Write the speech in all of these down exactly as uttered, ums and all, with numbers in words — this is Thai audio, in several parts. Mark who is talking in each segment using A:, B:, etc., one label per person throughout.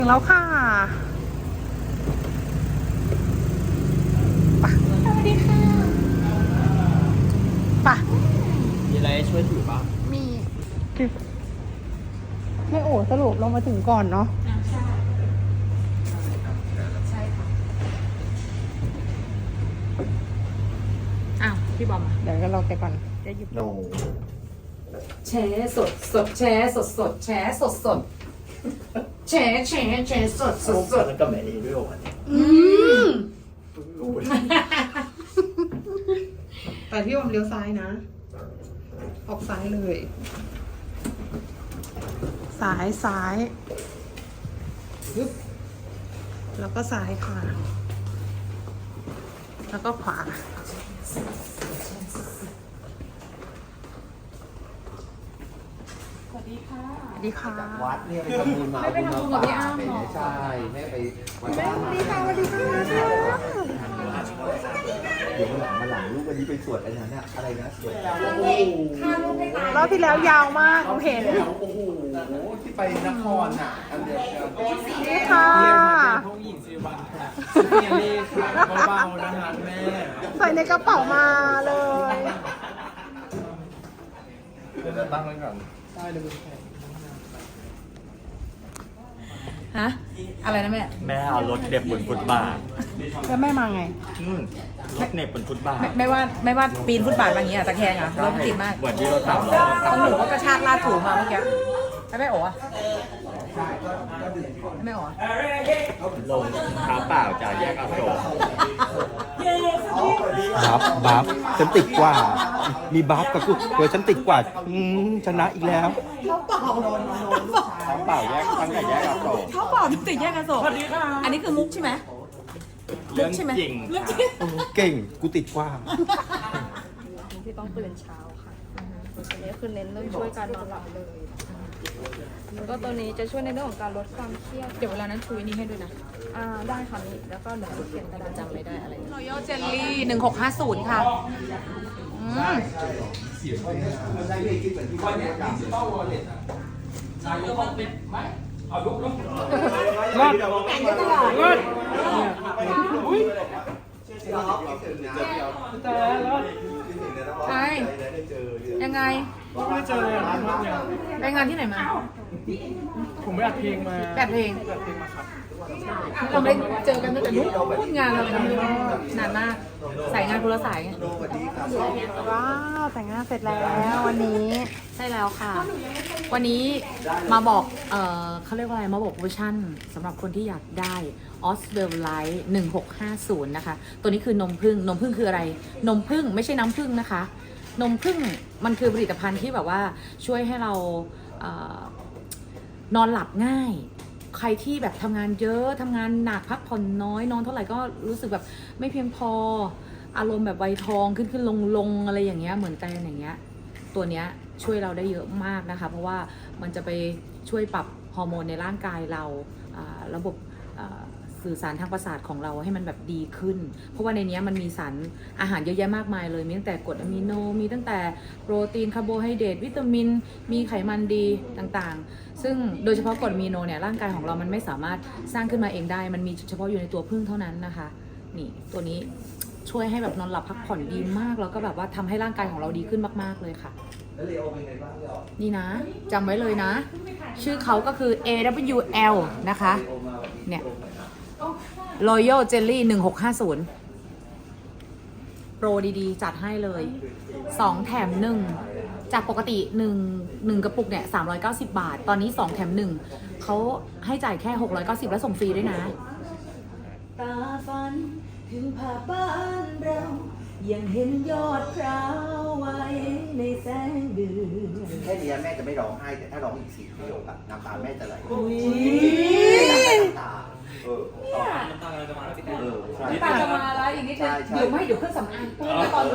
A: ถึงแล้วค่ะปะสวัสดีค่ะปะ
B: มีอะไรช่วยถือป่ะ
A: มีไม่โอ้สรุปเรามาถึงก่อนเนาะใช่ใช่ค่ะอ้าวพี่บอมเดี๋ยวก็รอแกก่อนจะหยิบโน
C: แชร์สดสดแชร์สดสดแชร์สดสดแชร์แชร์แชร์สดสดสด
B: แล้วก็แม่ดีด้วยวันนี้
A: อืมแต่พี่บอมเลี้ยวซ้ายนะออกซ้ายเลยซ้ายซ้ายปึ๊บแล้วก็ซ้ายค่ะแล้วก็ขวาสวัสดีค่ะสวัสดีค่ะ
B: วัดเนี่ยไปทำบุญมา
C: ไม่ไปทำบุญกับพี่อ้ำหรอ
B: ใช่แม่ไปวัด
A: สวัสดีค่ะสวัสดีค่ะ
B: เดี๋ยวมาหลังมาหลังลูกวันนี้ไปสวดอะไรนะอะไรนะสวด
A: รอบที่แล้วยาวมากผมเห็น
B: โอ้โหที่ไปนครน่ะอันเดียว
A: นี่ค่ะ
B: ห้องหญิงสิวันค่ะเรียนเลขค่ะเบาๆนะคะแม่
A: ใส่ในกระเป๋ามาเลย
B: เดี๋ยวจะตั้งไว้ก่อนได้เลย
C: ฮะอะไรนะแม่
B: แม่เอารถเด็บบนฟุตบาท
A: แล้วแม่มาไง
B: รถเน็บบนฟุตบาท
C: ไม่ว่าไม่ว่าปีนฟุตบาทมาอย่างเงี้ยตะแคงอ่ะรถติดมาก
B: เหมือนที่เราทำ
C: ต้องหนูก็กระชากลาดถูมาเมื่อกี้ไม่ไม่โอ๋ไม่โอ๋
B: ลงเท้าเปล่าจากแยกอโศก
D: บัฟบัฟฉันติดกว่ามีบัฟกับกูเดี๋ยวฉันติดกว่าชนะอีกแล้ว
B: เท้าเปล่าแยกตั้งแต่แยกอโศก
C: เขาบอกติดแยกอโศกอันนี้คือมุกใช่ไหม
B: เรื่องจริง
D: เก่งกูติดกว่า
E: ที่ต้องตื่นเช้าค่ะอันนี้คือเน้นเรื่องช่วยการนอนหลับเลยแล้วก็ตัวนี้จะช่วยในเรื่องของการลดความเครียด
C: เดี๋ยวเวลานั้นชูนี่ให้ด้วยนะ
E: อ่าได้ค่ะนี่แล้วก็หนูเขียนกระดาษ
C: จำไม่ได้อะไรรอยัลเจลลี่หนึ่งหกห้าศูนย์ค่ะอืม
A: รอดรอด
C: ใช่ยังไง
A: ไม่เจอเลยอ่ะ
C: ไปงานที่ไหนมา
A: ผมไปอัดเพลงมา
C: แบบเพลง
A: แบบเพลงมาครับ
C: เราไม่เจอกันตั้งแต่นู้นงานเราเลยนานมากใส่งานคนละสายไง
A: ว้าวแต่งงานเสร็จแล้ววันนี้
C: ใช่แล้วค่ะวันนี้มาบอกเออเขาเรียกว่าอะไรมาบอกโปรโมชั่นสำหรับคนที่อยากได้ ออสเวลไลท์หนึ่งหกห้าศูนย์นะคะตัวนี้คือนมผึ้งนมผึ้งคืออะไรนมผึ้งไม่ใช่น้ำผึ้งนะคะนมผึ้งมันคือผลิตภัณฑ์ที่แบบว่าช่วยให้เราเอ่อนอนหลับง่ายใครที่แบบทำงานเยอะทำงานหนักพักผ่อนน้อยนอนเท่าไหร่ก็รู้สึกแบบไม่เพียงพออารมณ์แบบไวทองขึ้นขึ้นลงลงอะไรอย่างเงี้ยเหมือนกันอย่างเงี้ยตัวเนี้ยช่วยเราได้เยอะมากนะคะเพราะว่ามันจะไปช่วยปรับฮอร์โมนในร่างกายเราระบบสื่อสารทางประสาทของเราให้มันแบบดีขึ้นเพราะว่าในนี้มันมีสารอาหารเยอะแยะมากมายเลยมีตั้งแต่กรดอะมิโนมีตั้งแต่โปรตีนคาร์โบไฮเดรตวิตามินมีไขมันดีต่างๆซึ่งโดยเฉพาะกรดอะมิโนเนี่ยร่างกายของเรามันไม่สามารถสร้างขึ้นมาเองได้มันมีเฉพาะอยู่ในตัวผึ้งเท่านั้นนะคะนี่ตัวนี้ช่วยให้แบบนอนหลับพักผ่อนดีมากแล้วก็แบบว่าทำให้ร่างกายของเราดีขึ้นมากๆเลยค่ะนี่นะจำไว้เลยนะชื่อเขาก็คือ เอ ดับเบิลยู แอล นะคะเนี่ยRoyal Jelly หนึ่งหกห้าศูนย์โปรดีๆจัดให้เลยสองแถมหนึ่งจากปกติหนึ่ง หนึ่งกระปุกเนี่ยสามร้อยเก้าสิบบาทตอนนี้สองแถมหนึ่งเขาให้จ่ายแค่หกร้อยเก้าสิบแล้วส่งฟรีด้วยนะ
F: ตาฝันถึงผ่าบ้านเรายังเห็นยอดพร้าวไว้ในแสงเดือน
B: แค่นี้แม่จะไม่ร้องไห้แต่ถ้าร้องอีกสี่ประโยคอะน้ำตาแม่จะไหลเออน้ำตาจะมาแล้วพี่แต
C: นน้ำตาจะมาแล้วอีกนิดนึงเดี๋ยวไม่เดี๋ยวเครื่องสำอางปุ๊บตอนนี้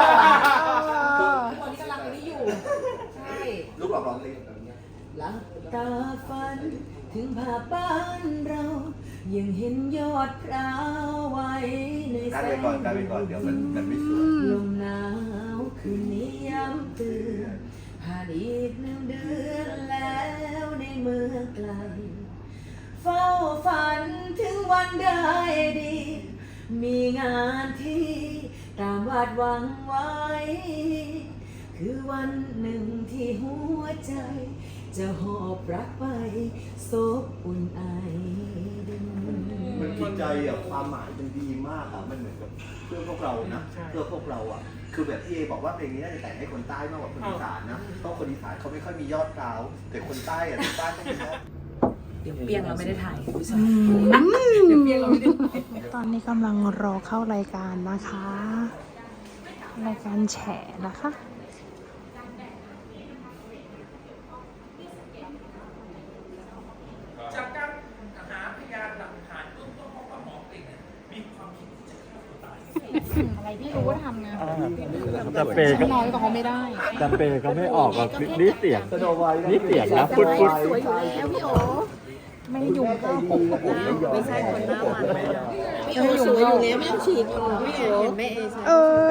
C: ตอนนี้กำลังนี้อยู่ใช่
B: ลูกหลอกร้องเลย
F: หลับตาฝันถึงภาพบ้านเรายังเห็นยอดพร้าวไว้ในแสง
B: การไปก่อนการไปก่อนเดี๋ยวมันมันไม่สวย
F: ลมหนาวคืนนี้ย้ำเตือนผ่านอีกหนึ่งเดือนแล้วในเมื่อไกลเฝ้าฝันถึงวันได้ดี มีงานที่ตามวาดหวังไว้ คือวันหนึ่งที่หัวใจ จะหอบรักไปซบอุ่นไอดิน
G: มันจิตใจอ่ะความหมายมันดีมากอ่ะมันเหมือนกับเพื่อพวกเรานะเพื่อพวกเราอ่ะคือแบบพี่เอบอกว่าเพลงนี้น่าจะแต่งให้คนใต้มากกว่าคนอีสานนะเพราะคนอีสานเขาไม่ค่อยมียอดกราวแต่คนใต้อ่ะคนใต้ต้องมียอด
C: เดี๋ยวเปียงเราไม่ได้ถ่ายคุณผู้ชม
A: ตอนนี้กำลังรอเข้ารายการนะคะ รายการแฉนะคะ
B: จากการหาพยานหลักฐานเบื้องต้นของหมอเก่งเนี่ยมีความคิดที่จะฆ่าตัวตาย
C: อะไรพี่รู้ว่าทำไง
D: แต่เปย์ก็
C: น้อยกว่าเขาไม่ได้
D: แต่เปย์ก็ไม่ออกอ่ะนี่เสียงนี่เสียงนะพุดพุด
C: สวยอยู่แล้วพี่โอไม่ยุ่งก็ผมไม่ใช่คนหน้ามันพี่โอสวยอยู่แล้วไม่ต้องฉีดพี่โอเห็นแม่เอใช่
A: เออ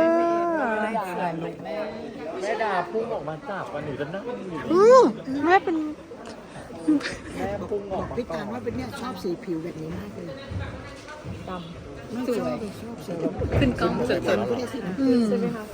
D: แม่ดาพุ่งออกมาจับกันหนูจะนั่งอยู่
A: อืมแม่เป็น
D: แม่พุ่งออกมา
H: พี่ตาลว่าเป็นเนี่ยชอบสีผิวแบบนี้มากเลยดำไม่ชอบชอบสีดำ
C: ขึ้นกล้องสวย
H: เต็มก็ได้สีดำใช่ไหมคะ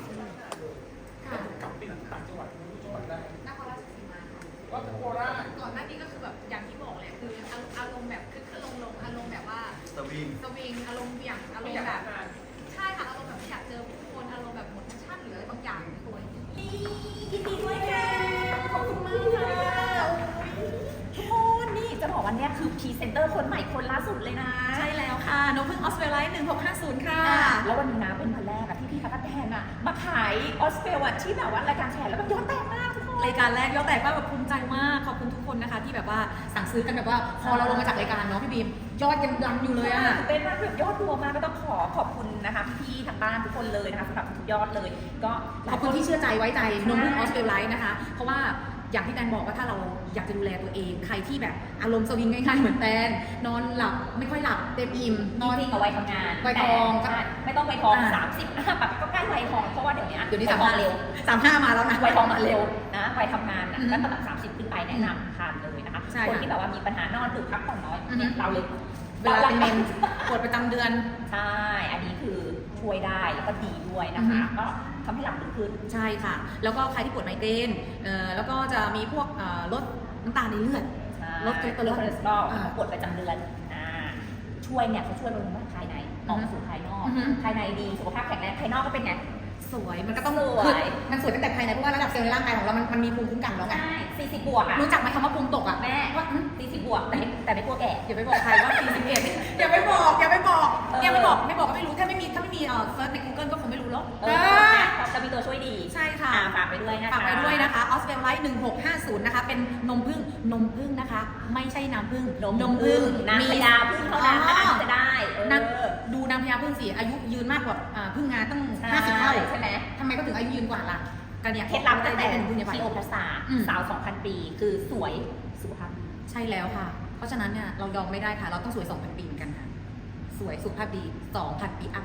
I: ก่อนหน้านี้ก็คือแบบอย่างที่บอกแหละคืออารมณ์แบบคือคือลงลงอารมณ์แบบว่า
G: สวิง
I: สวิงอารมณ์เบี่ยงอารมณ์แบบใช่ค่ะอารมณ์แบบไม่อยากเจอผู้คนอารมณ์แบบหมดแพชชั่นหรืออะไรบางอย่างในตัวนี้
C: ยินดีด้วยค่ะขอบคุณมากค่ะทุกคนนี่จะบอกว่าเนี่ยคือพรีเซนเตอร์คนใหม่คนล่าสุดเลยนะใช่แล้วค่ะน้องพึ่งออสเตรเลียหนึ่งหกห้าศูนย์ค่ะแล้ววันนี้นะเป็นวันแรกอะที่พี่ทักแทนอะมาขายออสเตรเลียที่แบบว่ารายการแชร์แล้วแบบยอดแตกมากทุกคน
I: รายการแรกยอดแตกมากแบบภูมิใจมากขอบคุณทุกคนนะคะที่แบบว่าสั่งซื้อกันแบบว่าพอเราลงมาจากรายการเนาะพี่บีมยอดยังดังอยู่เลยอะ
C: เป็นมากแบบยอดรวมมากก็ต้องขอขอบคุณนะคะพี่ๆทางบ้านทุกคนเลยนะคะสำหรับทุกยอดเลย ก็ห
I: ข
C: ลา
I: อย บ
C: ค
I: คุณ
C: น
I: ที่เชื่อใจไว้ใจนมพึ่งออสเตรเลียนะคะ เพราะว่าอย่างที่แตนบอกว่าถ้าเราอยากจะดูแลตัวเอง ใครที่แบบอารมณ์สวิงง่ายๆเหมือนแตนนอนหลับไม่ค่อยหลับเต็มอิ่มนอน
C: จริงๆเอาไว้ทำงาน
I: ไว้ทอง
C: แต่ไม่ต้องไว้ทอง
I: อ่า
C: สามสิบแบบก็ใกล้ไว้ทองเพราะว่าเดี๋ยวนี้
I: เดี๋ยวนี้
C: ไว
I: สาม
C: ทอ
I: ห้าง
C: เร็ว
I: สามห้ามาแล้วนะ
C: ไวทองมาเร็วนะไวทำงานนะ
I: อืม
C: แล้วระดับสามสิบขึ้นไปแนะนำทานเลยนะคะ
I: ใช่
C: คน
I: ค่ะ
C: ที่แบบว่ามีปัญหานอนดึกพักผ่อนน้อย
I: อือฮึ
C: เนี่ยเราเลย
I: เวลาเป็นเมนปวดประจำเดือน
C: ใช่อันนี้คือช่วยได้แล้วก็ดีด้วยนะคะ
I: อือฮึ
C: ก็ทำให้หลับลึกขึ้น
I: ใช่ค่ะ แล้วก็ใครที่ปวดไมเกรนเอ่อแล้วก็จะมีพวกเอ่อลดน้ำตาลในเลือด ลดคอเลสเตอรอล
C: คอเลสเตอรอล
I: อ่า
C: ปวดประจำเดือนอ่าช่วยเนี่ยเขาช่วยบำรุงร่างกายในออกมาสู่ภายนอก
I: อือฮึ
C: ภายในดีสุขภาพแข็งแรงภายนอกก็เป็นไง
I: สวยมันก็ต้อง
C: สวย
I: คือมันสวยตั้งแต่ภายในเพราะว่าระดับเซลล์ในร่างกายของเรามันมันมีภูมิคุ้มกันแล้วไง
C: ใช่สี่สิบบวกอะ
I: รู้จักไหมคำว่าภูมิตกอ่ะ
C: แม่
I: ว่าอืม
C: สี่สิบบวกแต่ไม่แต่ไม่กลัวแก่
I: อย่าไปบอกใครว่าสี่สิบเอ็ดอย่าไปบอกอย่าไปบอก
C: เออ
I: อย่าไปบอกไม่บอกก็ไม่รู้ถ้าไม่มีถ้าไม่มีเอ่อเซิร์ชใน Google ก็คงไม่รู้หรอก
C: เออจะมีตัวช่วยดี
I: ใช่ค่ะ
C: อ่าฝากไปด้วยนะคะ
I: ฝากไปด้วยนะคะออสเตรเลียหนึ่งหกห้าศูนย์นะคะเป็นนมผึ้งนมผึ้งนะคะ ไม่ใช่น้ำผึ้ง
C: นมผึ้งน้ำพญาผึ้งเท่านั้นนะคะที่จะได้เออ
I: นางดูนางพญาผึ้งสิอายุยืนมากกว่าอ่าผึ้งงาตั้งห้าสิบเท่า
C: ใช่ไหม
I: ทำไมก็ถึงอายุยืนกว่าล่ะกันเนี่ย
C: เคล็ดลับตั้งแต่
I: เป็นผึ้งเนี่ยไป
C: ทีโอพลาสตา
I: อืม
C: สาวสองพันปีคือสวยสุขภาพ
I: ใช่แล้วค่ะ เพราะฉะนั้นเนี่ยเรายอมไม่ได้ค่ะ เราต้องสวยสองพันปีเหมือนกันค่ะ สวยสุขภาพดีสองพันปีอัพ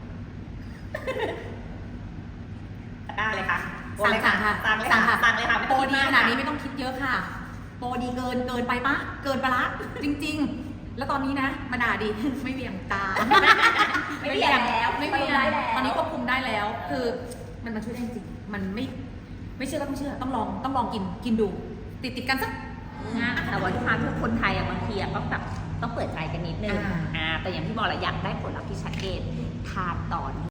C: ได้เลยค่ะ
I: สั่งค่ะ
C: สั่งเลย
I: สั่ง
C: ค่ะ
I: ค่ะ
C: สั่งเลยค่ะไม่
I: โป
C: ต้
I: ร
C: องคิ
I: ดี
C: มก
I: ขนาดนี้ไม่ต้องคิดเยอะค่ะ โปรดีเกินเกินไปปะเกินไปละจริง ๆ แล้วตอนนี้นะมาด่าดิ ไม่เบี่ยงตา
C: ไม่เบี่ยงแล้ว
I: ไม่เบี่ยง
C: ได้แล้ว
I: ตอนนี้ควบคุมได้แล้ว คือมันมันช่วยได้จริงมันไม่ไม่เชื่อก็ต้องเชื่อต้องลองต้องลองกินกินดู ติดติดกันสัก
C: นะแต่ว่าทุกครั้งทุกคนไทยอะบางทีอะต้องแบบต้องเปิดใจกันนิดนึง
I: อ่า
C: อ่าแต่อย่างที่บอกแหละอยากได้ผลลัพธ์ที่ชัดเจนทานต่อ